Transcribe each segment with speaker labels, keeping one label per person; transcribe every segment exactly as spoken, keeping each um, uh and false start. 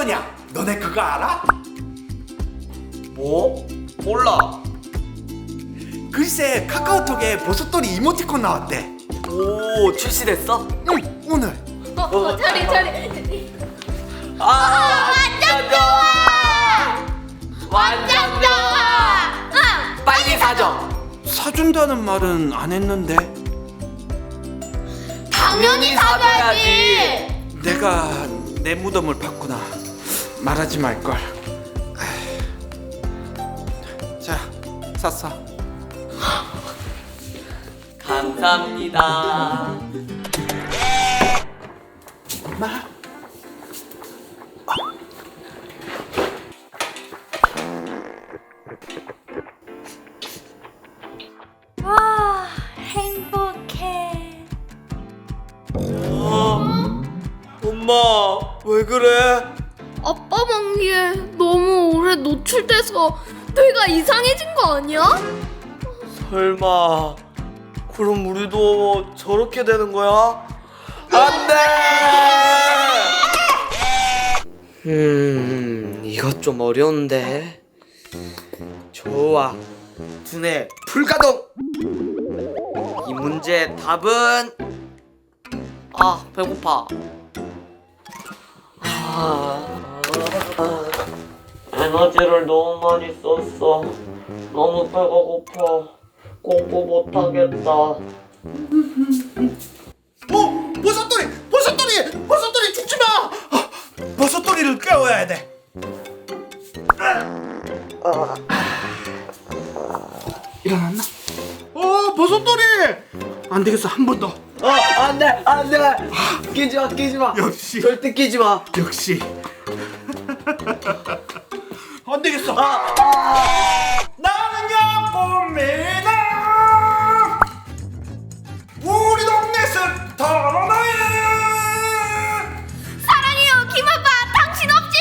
Speaker 1: 뭐냐? 너네 그거 알아?
Speaker 2: 뭐? 몰라.
Speaker 1: 글쎄 카카오톡에 버섯돌이 이모티콘 나왔대.
Speaker 2: 오, 출시됐어?
Speaker 1: 응, 오늘.
Speaker 3: 어, 어, 차례 차례.
Speaker 2: 아,
Speaker 3: 완전 좋아. 완전 좋아. 응.
Speaker 2: 빨리 사줘.
Speaker 1: 사준다는 말은 안 했는데.
Speaker 3: 당연히 사줘야지.
Speaker 1: 내가 내 무덤을 봤구나. 말하지 말걸. 자, 샀어.
Speaker 2: 감사합니다.
Speaker 1: 엄마.
Speaker 3: 와, 행복해.
Speaker 2: 어, 엄마, 왜 그래?
Speaker 3: 아빠 방귀에 너무 오래 노출돼서 뇌가 이상해진 거 아니야?
Speaker 2: 설마 그럼 우리도 저렇게 되는 거야? 안 돼! 음, 이것 좀 어려운데. 좋아. 두뇌 불가동! 이 문제의 답은 아, 배고파. 아, 에너지를 너무 많이 썼어. 너무 배가 고파. 공부 못하겠다.
Speaker 1: 어, 버섯돌이, 버섯돌이, 버섯돌이 죽지 마. 아, 버섯돌이를 깨워야 돼. 일어났나? 어, 버섯돌이. 안 되겠어, 한 번 더.
Speaker 2: 어, 안 돼, 안 돼. 끼지 마, 끼지 마.
Speaker 1: 역시.
Speaker 2: 절대 끼지 마.
Speaker 1: 역시. 안 되겠어.
Speaker 2: 아, 아.
Speaker 1: 나는요 꽃미나 우리 동네 스타로나에
Speaker 3: 사랑해요, 김아빠. 당신 없이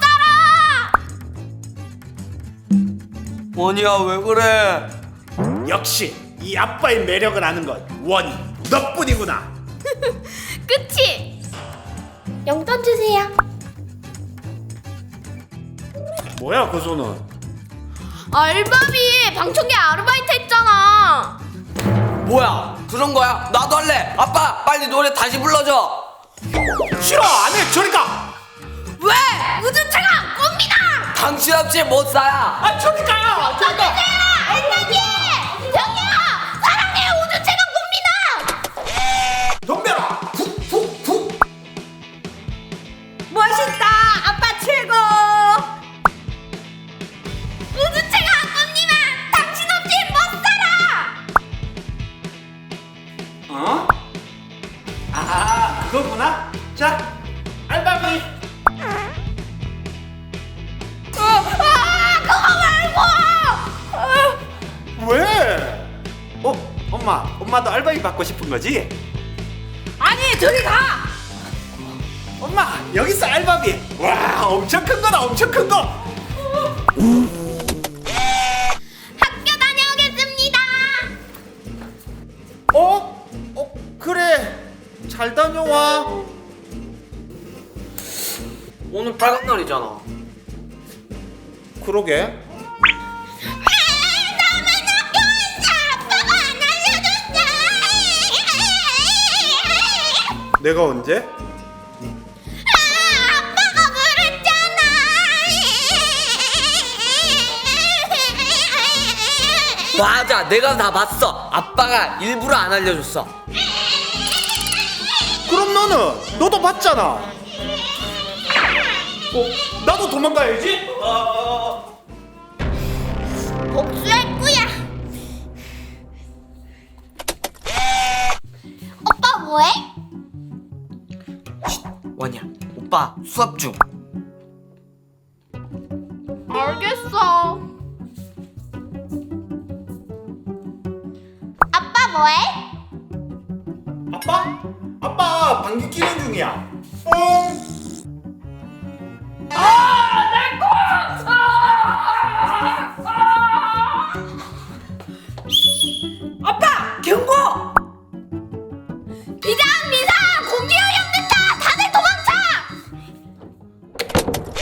Speaker 3: 못 살아.
Speaker 2: 원이야, 왜 그래?
Speaker 1: 역시 이 아빠의 매력을 아는 건 원이 너뿐이구나.
Speaker 3: 그치? 용돈 주세요.
Speaker 1: 뭐야 그 손은?
Speaker 3: 알바비 방청객 아르바이트 했잖아.
Speaker 2: 뭐야, 그런 거야? 나도 할래. 아빠, 빨리 노래 다시 불러줘.
Speaker 1: 싫어, 안해. 저리 가.
Speaker 3: 왜? 우주차가 꼽니다.
Speaker 2: 당신 없이 못 살아.
Speaker 1: 아, 저리 가. 저리 가.
Speaker 3: 알바비 형이야. 사랑해요, 우주차가 꼽니다.
Speaker 1: 덤벼라. 푹푹푹.
Speaker 3: 멋있다, 아빠 최고. 우주차가 꼽니다. 당신 없이 못 살아.
Speaker 1: 어? 아, 그거구나. 자, 알바비.
Speaker 3: 어, 아, 그거 말고. 어.
Speaker 1: 왜? 어, 엄마, 엄마도 알바비 받고 싶은 거지?
Speaker 3: 아니, 저리 가.
Speaker 1: 엄마, 여기서 알바비. 와, 엄청 큰 거다, 엄청 큰 거.
Speaker 3: 학교 다녀오겠습니다.
Speaker 1: 어? 어, 그래. 잘 다녀와.
Speaker 2: 오늘 빨간 날이잖아.
Speaker 1: 그러게.
Speaker 3: 나만 학교에서 아빠가 안 알려줬어.
Speaker 1: 내가 언제?
Speaker 3: 아, 아빠가 그랬잖아.
Speaker 2: 맞아, 내가 다 봤어. 아빠가 일부러 안 알려줬어.
Speaker 1: 그럼 너는 너도 봤잖아. 어, 나도 도망가야지. 어,
Speaker 3: 복수할 거야. 오빠 뭐해?
Speaker 2: 원이야, 오빠 수업 중.
Speaker 3: 알겠어. 아빠 뭐해?
Speaker 1: 아빠? 아빠 방귀 끼는 중이야. 어?
Speaker 2: 아빠, 경고!
Speaker 3: 비상 비상 공기오염 된다. 다들 도망쳐.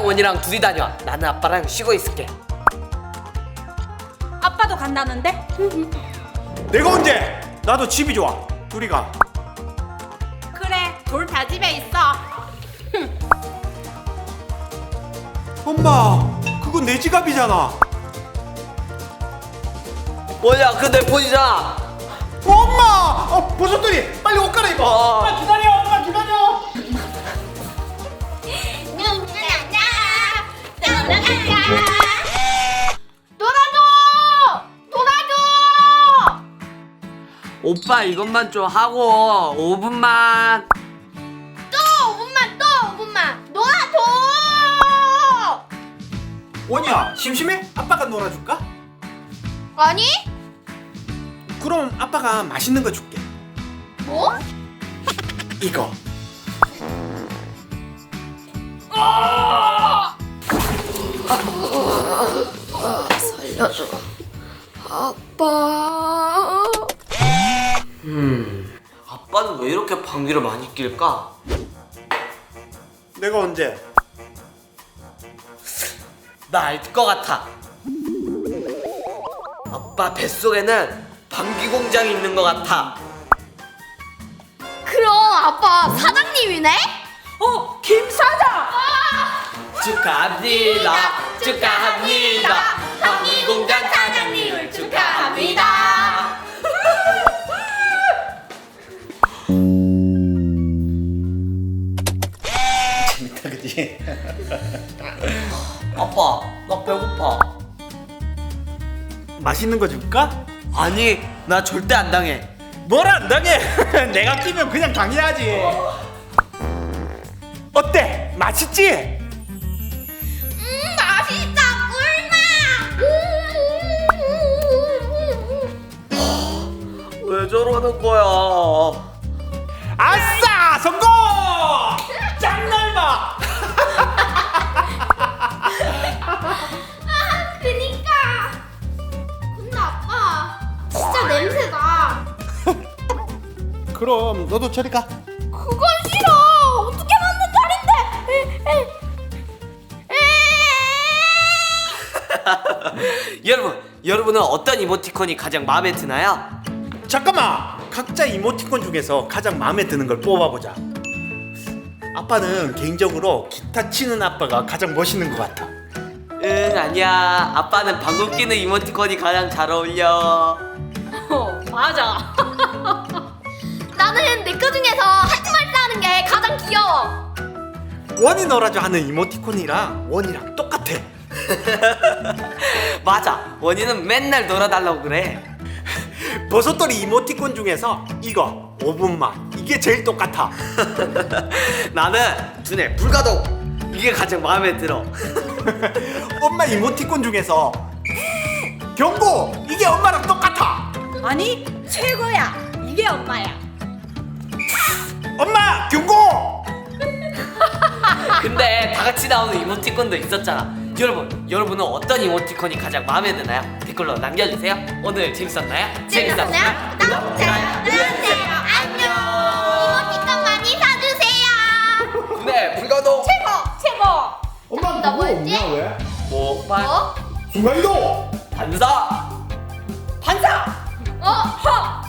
Speaker 2: 원이랑 원이랑 둘이 다녀. 나는 아빠랑 쉬고 있을게.
Speaker 4: 아빠도 간다는데?
Speaker 1: 내가 언제? 나도 집이 좋아. 둘이 가.
Speaker 4: 그래, 둘 다 집에 있어.
Speaker 1: 엄마, 그건 내 지갑이잖아.
Speaker 2: 원이야, 그내 폰이잖아.
Speaker 1: 엄마! 어, 버섯돌이 빨리 옷 갈아입어.
Speaker 2: 어.
Speaker 1: 엄마 기다려, 엄마 기다려.
Speaker 3: 놀아줘! 놀아줘!
Speaker 2: 오빠 이것만 좀 하고 오 분만.
Speaker 3: 또 오 분만 또 오 분만 놀아줘!
Speaker 1: 원이야, 심심해? 아빠가 놀아줄까?
Speaker 3: 아니?
Speaker 1: 그럼 아빠가 맛있는 거 줄게.
Speaker 3: 뭐?
Speaker 1: 이거.
Speaker 3: 살려줘. 아빠.
Speaker 2: 음, 아빠는 왜 이렇게 방귀를 많이 낄까?
Speaker 1: 내가 언제?
Speaker 2: 나 알 것 같아. 아빠 뱃속에는 방귀 공장이 있는 것 같아.
Speaker 3: 그럼 아빠 사장님이네?
Speaker 4: 어, 김 사장!
Speaker 2: 축하합니다. 축하합니다. 방귀 공장 사장님을 축하합니다.
Speaker 1: 재밌다, 그치?
Speaker 2: 아빠, 나 배고파.
Speaker 1: 맛있는 거 줄까?
Speaker 2: 아니, 나 절대 안 당해.
Speaker 1: 뭘 안 당해? 내가 끼면 그냥 당해야지. 어때? 맛있지?
Speaker 3: 음 맛있다 꿀맛.
Speaker 2: 왜 저러는 거야?
Speaker 1: 아싸! 성공! 짱날봐!
Speaker 3: 아 그니까. 근데 아빠 진짜 냄새나.
Speaker 1: 그럼 너도 저리 가.
Speaker 3: 그건 싫어. 어떻게 만든 자리인데?
Speaker 2: 여러분, 여러분은 어떤 이모티콘이 가장 마음에 드나요?
Speaker 1: 잠깐만! 각자 이모티콘 중에서 가장 마음에 드는 걸 뽑아보자. 아빠는 개인적으로 기타 치는 아빠가 가장 멋있는 것 같아.
Speaker 2: 응, 아니야. 아빠는 방귀 끼는 이모티콘이 가장 잘 어울려.
Speaker 4: 어, 맞아.
Speaker 3: 나는 내 거 중에서 하지 말자 하는 게 가장 귀여워.
Speaker 1: 원이 놀아줘 하는 이모티콘이랑 원이랑 똑같아.
Speaker 2: 맞아. 원이는 맨날 놀아달라고 그래.
Speaker 1: 버섯돌이 이모티콘 중에서 이거 오 분만 이게 제일 똑같아.
Speaker 2: 나는 두뇌 불가동. 이게 가장 마음에 들어.
Speaker 1: 엄마 이모티콘 중에서 경고! 이게 엄마랑 똑같아.
Speaker 4: 아니, 최고야. 이게 엄마야.
Speaker 1: 엄마 경고!
Speaker 2: 근데 다 같이 나오는 이모티콘도 있었잖아. 여러분, 여러분은 어떤 이모티콘이 가장 마음에 드나요? 댓글로 남겨주세요. 오늘 재밌었나요?
Speaker 3: 재밌었나요? 구독, 좋아요 눌러주세요. 안녕. 이모티콘 많이 사주세요.
Speaker 2: 네, 불가동.
Speaker 3: 최고 최고.
Speaker 1: 엄마
Speaker 3: 나 뭐였지?
Speaker 1: 왜?
Speaker 2: 목발.
Speaker 3: 어?
Speaker 1: 순간이동!
Speaker 2: 반사. 반사.
Speaker 3: 어? 허.